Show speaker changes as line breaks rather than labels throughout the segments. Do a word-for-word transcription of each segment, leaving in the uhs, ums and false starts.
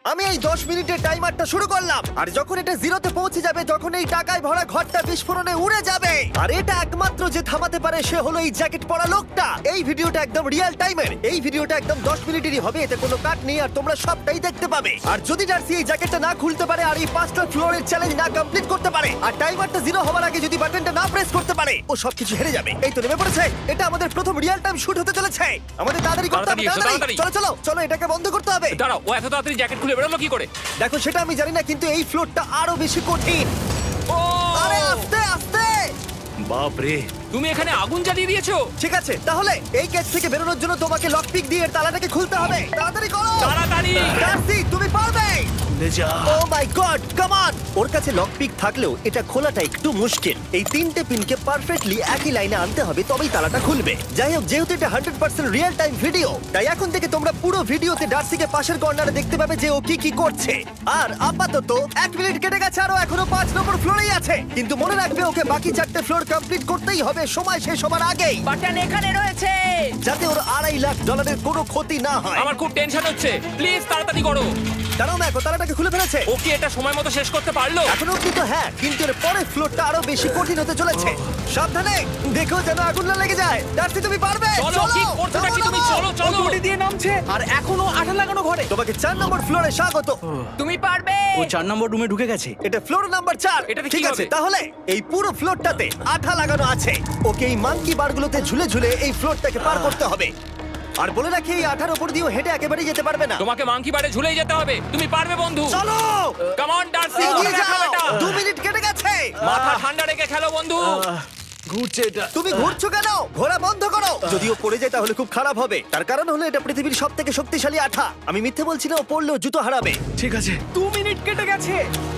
আমি এই দশ মিনিটের টাইমারটা শুরু করলাম, আর যখন এটা জিরোতে পৌঁছে যাবে, যখন এই টাকায় ভরা ঘরটা বিস্ফোরণে উড়ে যাবে, আর এটা একমাত্র যে থামাতে পারে সে হলো এই জ্যাকেট পরা লোকটা। এই ভিডিওটা একদম রিয়েল টাইমের, এই ভিডিওটা একদম দশ মিনিটেরই হবে, এতে কোনো কাট নেই, আর তোমরা সবটাই দেখতে পাবে। আর যদি ডার্সি এই জ্যাকেটটা না খুলতে পারে, আর এই পাঁচটা ফ্লোরের চ্যালেঞ্জ না কমপ্লিট করতে পারে, আর টাইমারটা জিরো হওয়ার আগে যদি বাটনটা না প্রেস করতে পারে, ও সবকিছু হেরে যাবে। এই তো নেমে পড়েছে, এটা আমাদের প্রথম রিয়েল টাইম শুট হতে চলেছে। আমাদের তাড়াতাড়ি করতে হবে, তাড়াতাড়ি চলো চলো চলো, এটাকে বন্ধ করতে হবে।
দাঁড়াও, ও এত তাড়াতাড়ি জ্যাকেট খুলে বেরোলো কি করে?
দেখো সেটা আমি জানি না, কিন্তু এই ফ্লোরটা আরো বেশি কঠিন।
ও
আরে আস্তে আস্তে।
বাপ রে,
তুমি এখানে আগুন জ্বালিয়ে দিয়েছো।
ঠিক আছে, তাহলে এই কেস থেকে বেরোনোর জন্য তোমাকে লক পিক দিয়ে এর তালাটাকে খুলতে হবে। তাড়াতাড়ি করো,
তাড়াতাড়ি।
ডার্সি তুমি পারবে।
লে যা।
ও মাই গড, কাম অন। ওর কাছে লক পিক থাকলেও এটা খোলাটা একটু মুশকিল। এই তিনটে পিনকে পারফেক্টলি একই লাইনে আনতে হবে, তবেই তালাটা খুলবে। যাই হোক, যেহেতু এটা hundred percent real time video, তাই এখন থেকে তোমরা পুরো ভিডিওতে ডার্সিকে পাশের কর্নারে দেখতে পাবে যে ও কি কি করছে। আর আপাতত এক মিনিট কেটে গেছে, আরো এখনো পাঁচ নম্বর ফ্লোরেই আছে। কিন্তু মনে রাখবে, ওকে বাকি চারটে ফ্লোর কমপ্লিট করতেই হবে সময় শেষ হবার আগেই,
বাটন এখানে রয়েছে।
যাতে ওর আড়াই লাখ ডলারের কোনো ক্ষতি না হয়।
আমার খুব টেনশন হচ্ছে, প্লিজ তাড়াতাড়ি করো।
দাঁড়াও, দেখো তালাটাকে খুলে ফেলেছে।
ও কি এটা সময় মতো শেষ করতে পারলো?
এখনো অব্দি তো হ্যাঁ, কিন্তু এর পরের ফ্লোরটা আরো বেশি কঠিন হতে চলেছে। সাবধানে, দেখো যেন আগুন না লেগে যায়। ডার্সি তুমি পারবে।
চলো, কি করছো নাকি তুমি? চলো চলো।
গুটি দিয়ে নামছে আর এখনো আঠা লাগানো ঘরে।
তোমাকে চার নম্বর ফ্লোরে স্বাগত।
তুমি পারবে।
ও চার নম্বর রুমে ঢুকে গেছে।
এটা ফ্লোর নাম্বার চার।
এটাতে
ঠিক
কি
আছে,
হবে?
তাহলে এই পুরো ফ্লোরটাতে আঠা লাগানো আছে। ওকে এই মাঙ্কি বারগুলোতে ঝুলে ঝুলে এই ফ্লোরটাকে পার করতে হবে। আর বলে রাখি, এই আঠার উপর দিয়েও হেঁটে একেবারেই যেতে পারবে না।
তোমাকে মাংকি বারে ঝুলেই যেতে হবে। তুমি পারবে বন্ধু।
চলো,
কাম অন ডার্সি,
এগিয়ে
দেখো
যাও।
এটা।
দু মিনিট কেটে গেছে।
মাথা ঠান্ডা রেখে খেলো বন্ধু।
ঘুরছে এটা।
তুমি ঘুরছো কেন? ঘোরা বন্ধ করো। যদিও পড়ে যায় তাহলে খুব খারাপ হবে। তার কারণ হলো এটা পৃথিবীর সব থেকে শক্তিশালী আঠা। আমি মিথ্যে বলছি না, ও পড়লেও জুতো হারাবে।
ঠিক আছে।
দু মিনিট কেটে গেছে।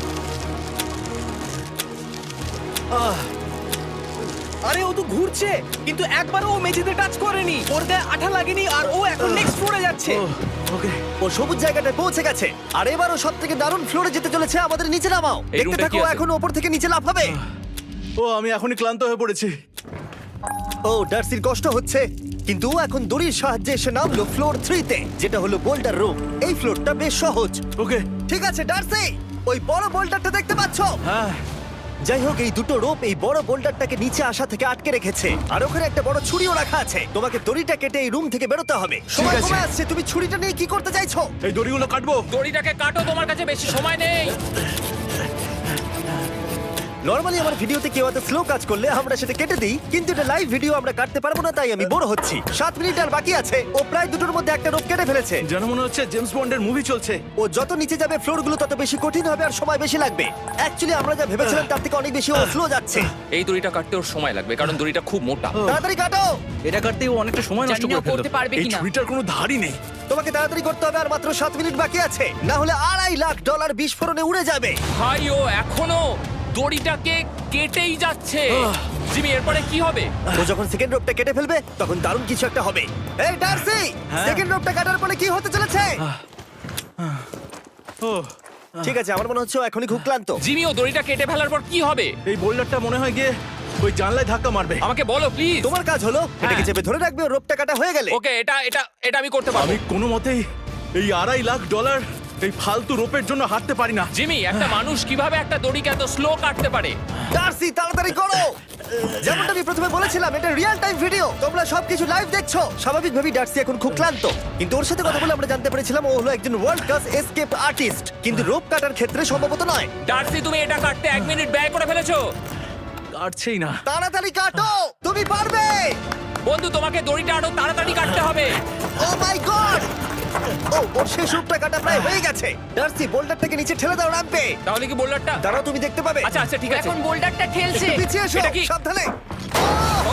আরে ও তো ঘুরছে, কিন্তু একবারও ও মেঝেতে টাচ করেনি। ওর গায়ে আঠা লাগেনি, আর ও এখন নেক্সট ফ্লোরে যাচ্ছে।
ওকে।
ও সবুজ জায়গাটায় পৌঁছে গেছে, আর এবারও সব থেকে দারুণ ফ্লোরে যেতে চলেছে। আমাদের নিচে নামাও।
এই
দেখতে
রুমটা
থাকো,
কি আছে?
এখন ওপর থেকে নিচে লাফাবে।
ও আমি এখনই ক্লান্ত হয়ে পড়েছি।
ও ডার্সির কষ্ট হচ্ছে, কিন্তু ও এখন দড়ির সাহায্যে এসে নামলো ফ্লোর থ্রিতে, যেটা হলো বোল্ডার রুম। এই ফ্লোরটা বেশ সহজ।
ওকে।
ঠিক আছে ডার্সি, ওই বড় বোল্ডারটা দেখতে পাচ্ছো?
হ্যাঁ।
যাই হোক, এই দুটো রোপ এই বড় বোল্ডারটাকে নিচে আসা থেকে আটকে রেখেছে, আর ওখানে একটা বড় ছুরিও রাখা আছে। তোমাকে দড়িটা কেটে এই রুম থেকে বেরোতে হবে। সময়
আছে।
কমে আসছে, তুমি ছুরিটা নিয়ে কি করতে চাইছো?
এই দড়িগুলো কাটবো।
দড়িটাকে কাটো, তোমার কাছে বেশি সময় নেই।
নরমালি আমার ভিডিওতে কেউ এত স্লো কাজ করলে আমরা সেটা কেটে দিই, কিন্তু এটা লাইভ ভিডিও, আমরা কাটতে পারবো না, তাই আমি বোর হচ্ছি। সাত মিনিট আর বাকি আছে। ও প্রায় দুটোর মধ্যে একটা রোপ কেটে ফেলেছে।
যেন মনে হচ্ছে জেমস বন্ডের মুভি চলছে।
ও যত নিচে যাবে ফ্লোর গুলো তত বেশি কঠিন হবে, আর সময় বেশি লাগবে। অ্যাকচুয়ালি আমরা যা ভেবেছিলাম তার থেকে অনেক বেশি ও স্লো যাচ্ছে।
এই দড়িটা কাটতে ওর সময় লাগবে, কারণ দড়িটা খুব মোটা।
তাড়াতাড়ি কাটো।
এটা কাটতে ও অনেকটা সময় নষ্ট
জানি না
করে ফেললো।
করতে পারবে
এই
কিনা।
ছুরিটার কোনো ধারই নেই।
তোমাকে তাড়াতাড়ি করতে হবে, আর মাত্র সাত মিনিট বাকি আছে, না হলে আড়াই লাখ ডলার বিস্ফোরণে উড়ে যাবে।
ভাই ও এখনো দড়িটাকে কেটেই যাচ্ছে। জিমি, এরপরে কি হবে?
ও যখন সেকেন্ড রোপটা কেটে ফেলবে তখন দারুণ কিছু একটা হবে। এই ডার্সি, সেকেন্ড রোপটা কাটার পরে কি হতে চলেছে?
ও
ঠিক আছে, আমার মনে হচ্ছে ও এখনই খুব ক্লান্ত।
জিমি, ও দড়িটা কেটে ফেলার পর কি হবে?
এই বোল্ডারটা মনে হয় গিয়ে ওই জানলায় ধাক্কা মারবে।
আমাকে বলো প্লিজ।
তোমার কাজ হলো এটাকে চেপে ধরে রাখবে, ও রোপটা কাটা হয়ে গেলে।
ওকে, এটা এটা এটা আমি করতে পারবো।
আমি কোনো মতেই এই আড়াই লাখ ডলার এই ফালতু রোপের জন্য হাঁটতে পারি না।
জিমি, একটা মানুষ কিভাবে একটা দড়িকে এত স্লো কাটতে পারে?
ডার্সি তাড়াতাড়ি করো। যেমনটা আমি প্রথমে বলেছিলাম, এটা রিয়েল টাইম ভিডিও, তোমরা সবকিছু লাইভ দেখছো। স্বাভাবিকভাবেই ডার্সি এখন খুব ক্লান্ত, কিন্তু ওর সাথে কথা বলে আমরা জানতে পেরেছিলাম ও হলো একজন ওয়ার্ল্ড ক্লাস এসকেপ আর্টিস্ট, কিন্তু রোপ কাটার ক্ষেত্রে সম্ভবত নয়।
ডার্সি, তুমি এটা কাটতে এক মিনিট ব্যয় করে ফেলেছো।
কাটছেই না।
তাড়াতাড়ি কাটো, তুমি পারবে।
বন্ধু, তোমাকে দড়িটা আরো তাড়াতাড়ি কাটতে হবে।
ও মাই গড! ও ওর শেষ রূপটা কাটা প্রায় হয়ে গেছে। ডার্সি, বোল্ডারটাকে নিচে ঠেলে দাও রাম্পে।
তাহলে কি বোল্ডারটা?
দাঁড়াও, তুমি দেখতে পাবে।
আচ্ছা আচ্ছা, ঠিক আছে।
এখন বোল্ডারটা ঠেলছে।
একটু পিছিয়ে এসো,
এটা কি?
সাবধানে।
ও,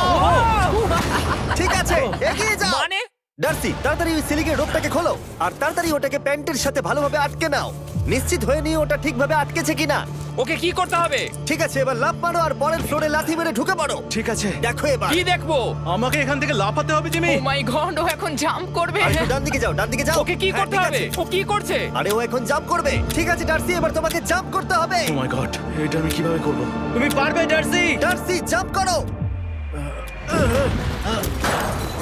ঠিক আছে, এগিয়ে যাও।
মানে
ডার্সি, তাড়াতাড়ি ওই সিলিংয়ের রোপটাকে খোলো, আর তাড়াতাড়ি ওটাকে প্যান্টের সাথে ভালোভাবে আটকে নাও। নিশ্চিত হয়ে নিয়ে ওটা ঠিকভাবে আটকেছে কিনা।
ওকে কি করতে হবে?
ঠিক আছে, এবার লাফ মারো আর পরের ফ্লোরে লাথি মেরে ঢুকে পড়ো।
ঠিক আছে।
দেখো এবার।
কি দেখবো?
আমাকে এখান থেকে লাফাতে হবে জিমি।
ও মাই গড, ও এখন জাম্প করবে।
আর একটু ডান দিকে যাও, ডান দিকে যাও।
ওকে কি
হ্যাঁ,
করতে
ঠিক
হবে?
আছে।
ও কি করছে?
আরে ও এখন জাম্প করবে। ঠিক আছে ডার্সি, এবার তোমাকে জাম্প করতে হবে।
ও মাই গড, এটা আমি কিভাবে করব? তুমি পারবে ডার্সি।
ডার্সি, জাম্প করো।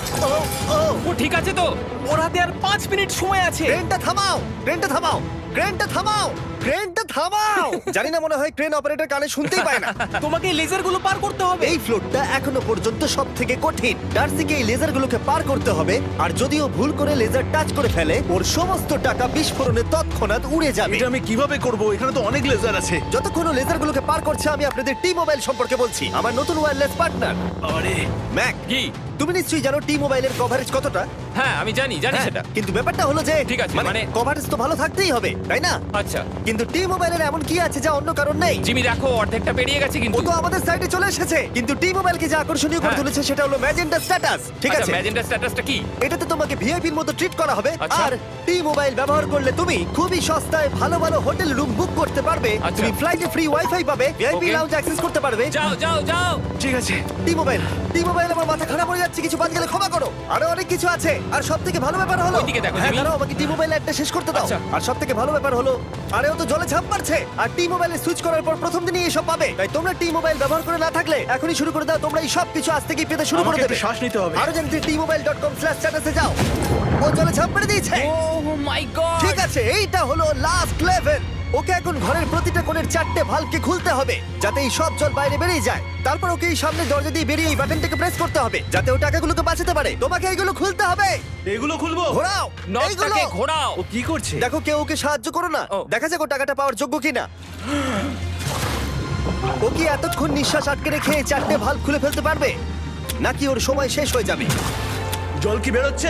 ও ও
ও ঠিক আছে তো?
ওর হাতে আর পাঁচ মিনিট সময় আছে।
ক্রেনটা থামাও ক্রেনটা থামাও ক্রেনটা থামাও ক্রেনটা থামাও জানি না, মনে হয় ক্রেন অপারেটর কানে শুনতেই পায় না।
তোমাকে এই লেজারগুলো পার করতে হবে।
এই ফ্লোরটা এখনো পর্যন্ত সব থেকে কঠিন। ডার্সিকে এই লেজারগুলোকে পার করতে হবে, আর যদিও ভুল করে লেজার টাচ করে ফেলে ওর সমস্ত টাকা বিস্ফোরণে তৎক্ষণাৎ উড়ে যাবে।
এটা আমি কিভাবে করব? এখানে তো অনেক লেজার আছে।
যতক্ষণ ও লেজারগুলোকে পার করছে আমি আপনাদের টি মোবাইল সম্পর্কে বলছি, আমার নতুন ওয়্যারলেস পার্টনার।
আরে
ম্যাক,
কি?
তুমি নিশ্চয়ই জানো টি মোবাইলের কভারেজ কতটা?
হ্যাঁ আমি জানি জানি
হ্যাঁ,
সেটা।
কিন্তু ব্যাপারটা হলো যে
ঠিক আছে,
মানে
মানে-
কভারেজ তো ভালো থাকতেই হবে, তাই না?
আচ্ছা
কিন্তু টি মোবাইলের এমন কি আছে যা অন্য কারণ নেই?
জিমি দেখো অর্ধেকটা পেরিয়ে গেছে
ও
কিন্তু।
তো আমাদের সাইডে চলে এসেছে, কিন্তু টি মোবাইলকে যে আকর্ষণীয় করে
হ্যাঁ।
তুলেছে সেটা হলো ম্যাজেন্টা স্ট্যাটাস। ঠিক আছে,
ম্যাজেন্টা স্ট্যাটাসটা কি?
এটাতে তোমাকে ভিআইপির মতো ট্রিট করা হবে।
আচ্ছা।
আর টি মোবাইল ব্যবহার করলে তুমি খুবই সস্তায় ভালো ভালো হোটেল রুম বুক করতে পারবে।
আচ্ছা।
তুমি ফ্লাইটে ফ্রি ওয়াইফাই পাবে, ভিআইপি
Okay.
লাউঞ্জ অ্যাক্সেস করতে পারবে।
যাও যাও যাও।
ঠিক আছে।
টি মোবাইল টি মোবাইল আমার মাথা খারাপ হয়ে যাচ্ছে, কিছু বাদ গেলে ক্ষমা করো। আরো অনেক কিছু আছে, আর সব থেকে ভালো ব্যাপার হলো
ওইদিকে দেখো,
হ্যাঁ
জিমি।
দাঁড়াও, আমাকে টি মোবাইল একটা শেষ করতে দাও।
আচ্ছা।
আর সব থেকে ভালো ব্যাপার হলো আরে ও তো জলে ঝাঁপ মারছে, আর টি মোবাইলে সুইচ করার পর প্রথম দিনই এসব পাবে। তাই তোমরা টি মোবাইল ব্যবহার করে না থাকলে এখনই শুরু করে দাও। তোমরা এই সব কিছু আজ থেকেই পেতে শুরু করে
আমাকে
দেবে।
একটু শ্বাস নিতে হবে।
আরো জানতে T mobile dot com slash স্ট্যাটাসে যাও। ও জলে ঝাঁপ মেরে দিয়েছে।
Oh my god.
ঠিক আছে, এইটা হলো লাস্ট লেভেল। ওকে এখন ঘরের প্রতিটা কোণের চারটে ভালভকে খুলতে হবে যাতে এই সব জল বাইরে বেরিয়ে যায়। তারপর ওকে এই সামনে দরজা দিয়ে বেরিয়ে এই বাটনটাকে প্রেস করতে হবে যাতে ও টাকাগুলোকে বাঁচাতে পারে। তোমাকে এইগুলো খুলতে হবে।
এগুলো খুলবো?
ঘোরাও এইগুলো।
নটটাকে ঘোরাও।
ও কি করছে?
দেখো কেউ ওকে সাহায্য করো না,
ও।
দেখা যাক ও টাকাটা পাওয়ার যোগ্য কিনা। ও কি এতক্ষণ নিঃশ্বাস আটকে রেখে এই চারটে ভালভ খুলে ফেলতে পারবে, নাকি ওর সময় শেষ হয়ে যাবে?
জল কি বেরোচ্ছে?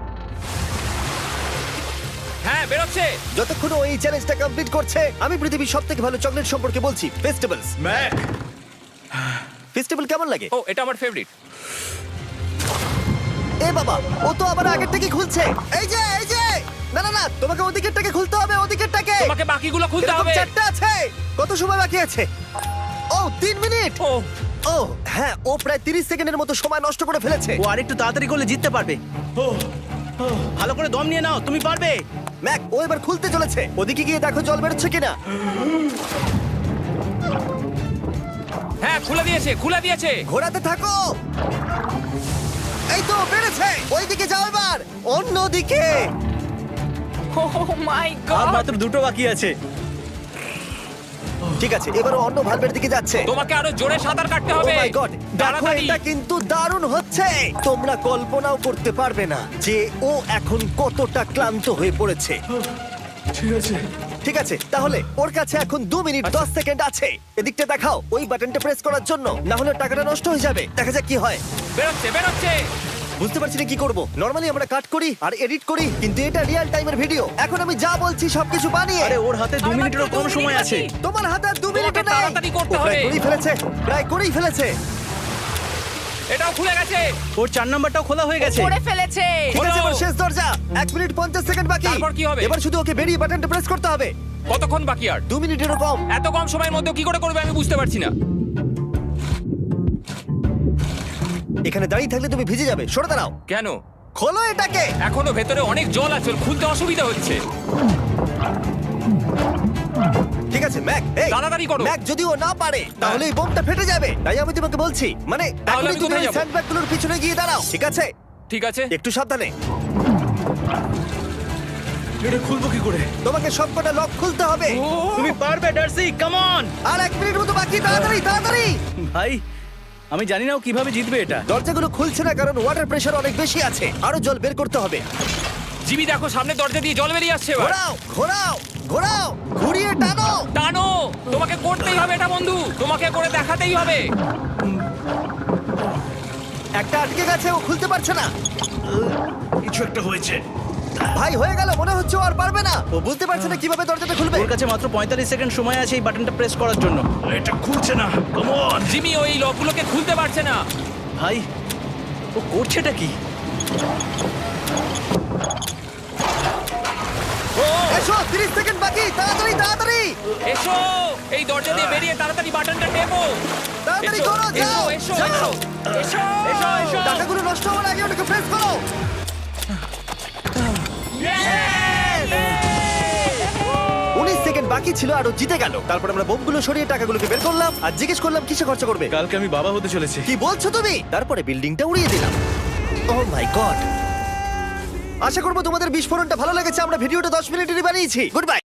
হ্যাঁ বেরোচ্ছে।
যতক্ষণ ও এই চ্যালেঞ্জটা কমপ্লিট করছে আমি পৃথিবীর সব থেকে ভালো চকলেট সম্পর্কে বলছি, ফেস্টিভ্যালস।
ম্যাক,
ফেস্টিভ্যাল কেমন লাগে?
ও এটা আমার ফেভারিট।
এ বাবা, ও তো আবার আগেরটাকে খুলছে। এই যে এই যে না না না, তোমাকে ওদিকেরটাকে খুলতে হবে, ওদিকেরটাকে।
তোমাকে বাকিগুলো খুলতে
এরকম
হবে।
চারটা আছে। কত সময় বাকি আছে? ও তিন মিনিট।
ও
ও হ্যাঁ, ও প্রায় তিরিশ সেকেন্ডের মতো সময় নষ্ট করে ফেলেছে।
ও আরেকটু তাড়াতাড়ি করলে জিততে পারবে।
ও
ভালো করে দম নিয়ে নাও, তুমি পারবে।
ম্যাক, ও এবার খুলতে চলেছে। ওদিকে গিয়ে দেখো জল বেরোচ্ছে কিনা।
হ্যাঁ খুলে দিয়েছে খুলে দিয়েছে।
ঘোরাতে থাকো। এই তো বেড়েছে। ওইদিকে যাও এবার, অন্যদিকে।
ও মাই
আর
গড।
মাত্র দুটো বাকি আছে।
ঠিক আছে, এবার ও অন্য ভালভের দিকে যাচ্ছে।
তোমাকে আরো জোরে সাঁতার কাটতে
ও
হবে।
মাই গড, দেখো
তাড়াতাড়ি।
এটা কিন্তু দারুণ হচ্ছে। তোমরা কল্পনাও করতে পারবে না যে ও এখন কতটা ক্লান্ত হয়ে পড়েছে।
ঠিক আছে।
ঠিক আছে, তাহলে ওর কাছে এখন দু মিনিট দশ সেকেন্ড আছে। এদিকটা দেখাও ওই বাটনটা প্রেস করার জন্য, না হলে টাকাটা নষ্ট হয়ে যাবে। দেখা যাক কি হয়।
বেরোচ্ছে বেরোচ্ছে।
বুঝতে পারছি না কি করব। নরমালি আমরা কাট করি আর এডিট করি, কিন্তু এটা রিয়েল টাইমের ভিডিও। এখন আমি যা বলছি সবকিছু বানিয়ে।
আরে ওর হাতে দু
আর মাত্র
মিনিটেরও
দু
কম
মিনিট
সময়
বাকি।
আছে।
তোমার হাতে আর দু মিনিট
তোমাকে
নেই।
তাড়াতাড়ি করতে
ও প্রায়
হবে।
করেই ফেলেছে, প্রায় করেই ফেলেছে।
এটাও খুলে গেছে।
ওর চার নাম্বারটাও খোলা হয়ে গেছে।
করে ফেলেছে।
ঠিক আছে,
হলো।
এবার শেষ দরজা। এক মিনিট পঞ্চাশ সেকেন্ড বাকি।
তারপর কি হবে?
এবার শুধু ওকে বেরিয়ে বাটনটা প্রেস করতে হবে।
কতক্ষণ বাকি আর?
দু মিনিটেরও কম।
এত কম সময়ের মধ্যে কি করে করবে আমি বুঝতে পারছি না।
এখানে দাঁড়িয়ে থাকলে তুমি ভিজে যাবে, সরে দাঁড়াও।
কেন?
খোলো এটাকে।
এখনো ভেতরে অনেক জল আছে, ওর খুলতে অসুবিধা হচ্ছে।
ঠিক আছে ম্যাক, এই
তাড়াতাড়ি করো।
ম্যাক, যদি ও না পারে তাহলে এই বোমটা ফেটে যাবে। তাই আমি তোমাকে বলছি, মানে
তাহলে
এখনই
আমি
তুমি
কোথায়
ওই
যাবো?
স্যান্ডব্যাগগুলোর পিছনে গিয়ে দাঁড়াও, ঠিক আছে?
ঠিক আছে।
একটু সাবধানে।
এটা খুলবো কি করে?
তোমাকে সবকটা লক খুলতে হবে।
ও,
তুমি পারবে ডার্সি, কাম অন।
আর এক মিনিট মতো বাকি, তাড়াতাড়ি তাড়াতাড়ি।
ভাই আমি জানি না ও কিভাবে জিতবে এটা।
দরজাগুলো খুলছে না কারণ ওয়াটার প্রেশার অনেক বেশি আছে। আরো জল বের করতে হবে।
জিমি দেখো সামনে দরজা দিয়ে জল বেরিয়ে আসছে এবার।
ঘোরাও ঘোরাও ঘোরাও, ঘুরিয়ে টানো।
টানো। তোমাকে করতেই হবে এটা বন্ধু, তোমাকে করে দেখাতেই হবে।
একটা আটকে গেছে, ও খুলতে পারছে না।
কিছু একটা হয়েছে।
ভাই হয়ে গেল, মনে হচ্ছে ও আর পারবে না। ও বুঝতে পারছে না কিভাবে দরজাটা খুলবে।
ওর কাছে মাত্র পঁয়তাল্লিশ সেকেন্ড সময় আছে এই বাটনটা প্রেস করার জন্য।
এটা খুলছে না। Come on.
জিমি ওই লকগুলোকে খুলতে পারছে না।
ভাই ও করছেটা কি?
ও
এসো, তিরিশ সেকেন্ড বাকি, তাড়াতাড়ি তাড়াতাড়ি
এসো, এই দরজা দিয়ে বেরিয়ে তাড়াতাড়ি বাটনটা টেপো।
তাড়াতাড়ি
এসো,
করো, যাও
এসো, এসো,
যাও।
এসো, এসো, এসো।
টাকাগুলো নষ্ট হওয়ার আগে ওটাকে প্রেস করো। উনিশ সেকেন্ড বাকি ছিল আর ও জিতে গেল। তারপর আমরা বোমগুলো সরিয়ে টাকাগুলোকে বের করলাম আর জিজ্ঞেস করলাম কিসে খরচা করবে।
কালকে আমি বাবা হতে চলেছি।
কি বলছো তুমি? তারপরে বিল্ডিংটা উড়িয়ে দিলাম। ও মাই গড। আশা করবো তোমাদের বিস্ফোরণটা ভালো লেগেছে। আমরা ভিডিওটা দশ মিনিটেরই বানিয়েছি। Good by.